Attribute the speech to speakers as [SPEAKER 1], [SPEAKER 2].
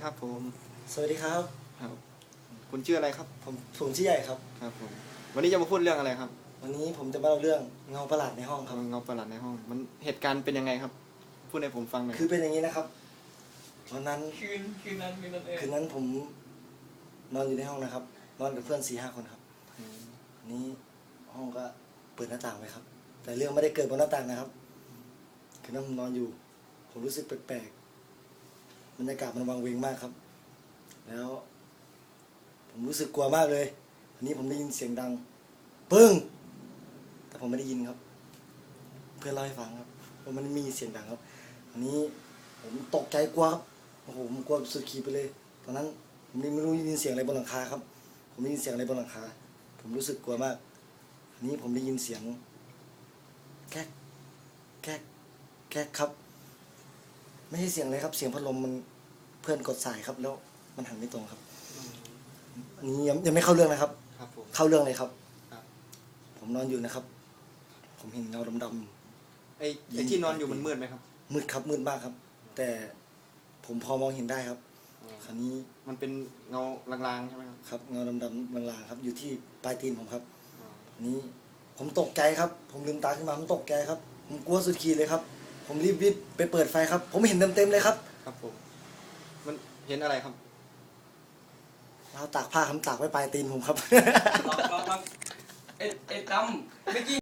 [SPEAKER 1] ครับผม
[SPEAKER 2] สวัสดีครับ
[SPEAKER 1] ครับคุณชื่ออะไรครับ
[SPEAKER 2] ผมชื่อใหญ่ครับ
[SPEAKER 1] ครับผมวันนี้จะมาพูดเรื่องอะไรครับ
[SPEAKER 2] วันนี้ผมจะมาเล่าเรื่องเงาประหลาดในห้องครับ
[SPEAKER 1] เงาประหลาดในห้องมันเหตุการณ์เป็นยังไงครับพูดให้ผมฟังหน่อย
[SPEAKER 2] คือเป็นอย่างนี้นะครับวันนั้นคืนนั้นผมนอนอยู่ในห้องนะครับนอนกับเพื่อน4-5 คนครับนี้ห้องก็เปิดหน้าต่างไว้ครับแต่เรื่องไม่ได้เกิดบนหน้าต่างนะครับคืนนั้นผมนอนอยู่ผมรู้สึกแปลกๆบรรยากาศมันวังเวงมากครับแล้วผมรู้สึกกลัวมากเลยอันนี้ผมได้ยินเสียงดังปึ้งแต่ผมไม่ได้ยินครับเพื่อนเล่าให้ฟังครับว่ามันมีเสียงดังครับอันนี้ผมตกใจกลัวครับโอ้โหผมกลัวสุดขีดไปเลยตอนนั้นผมไม่รู้ได้ยินเสียงอะไรบนหลังคาครับผมได้ยินเสียงอะไรบนหลังคาผมรู้สึกกลัวมากอันนี้ผมได้ยินเสียงแก๊กแก๊กแก๊กครับไม่ใช่เสียงอะไรครับเสียงพัดลมมันเพื่อนกดสายครับแล้วมันหันไม่ตรงครับอันนี้ยังไม่เข้าเรื่องนะครับ
[SPEAKER 1] ครับผม
[SPEAKER 2] เข้าเรื่องเลยครับ
[SPEAKER 1] ครับ
[SPEAKER 2] ผมนอนอยู่นะครับผมเห็นเงาดำ
[SPEAKER 1] ไอ้ที่นอนอยู่มันมืดไหมครับ
[SPEAKER 2] ๆมืดครับมืดมากครับแต่ผมพอมองเห็นได้ครับคราวนี้
[SPEAKER 1] มันเป็นเงาลางๆใช่ไหมครับ
[SPEAKER 2] ครับเงาดำๆลางๆครับอยู่ที่ปลายตีนผมครับอันนี้ผมตกใจครับผมลืมตาขึ้นมาผมตกใจครับผมกลัวสุดขีดเลยครับผมรีบวิ่งไปเปิดไฟครับผมเห็นเต็มๆเลยครับ
[SPEAKER 1] ครับผมมันเห็นอะไรครับ
[SPEAKER 2] เราตากผ้าคำตากไว้ปลายตีนผมครับ
[SPEAKER 3] ลองเอ็ดดำเมื่อกี้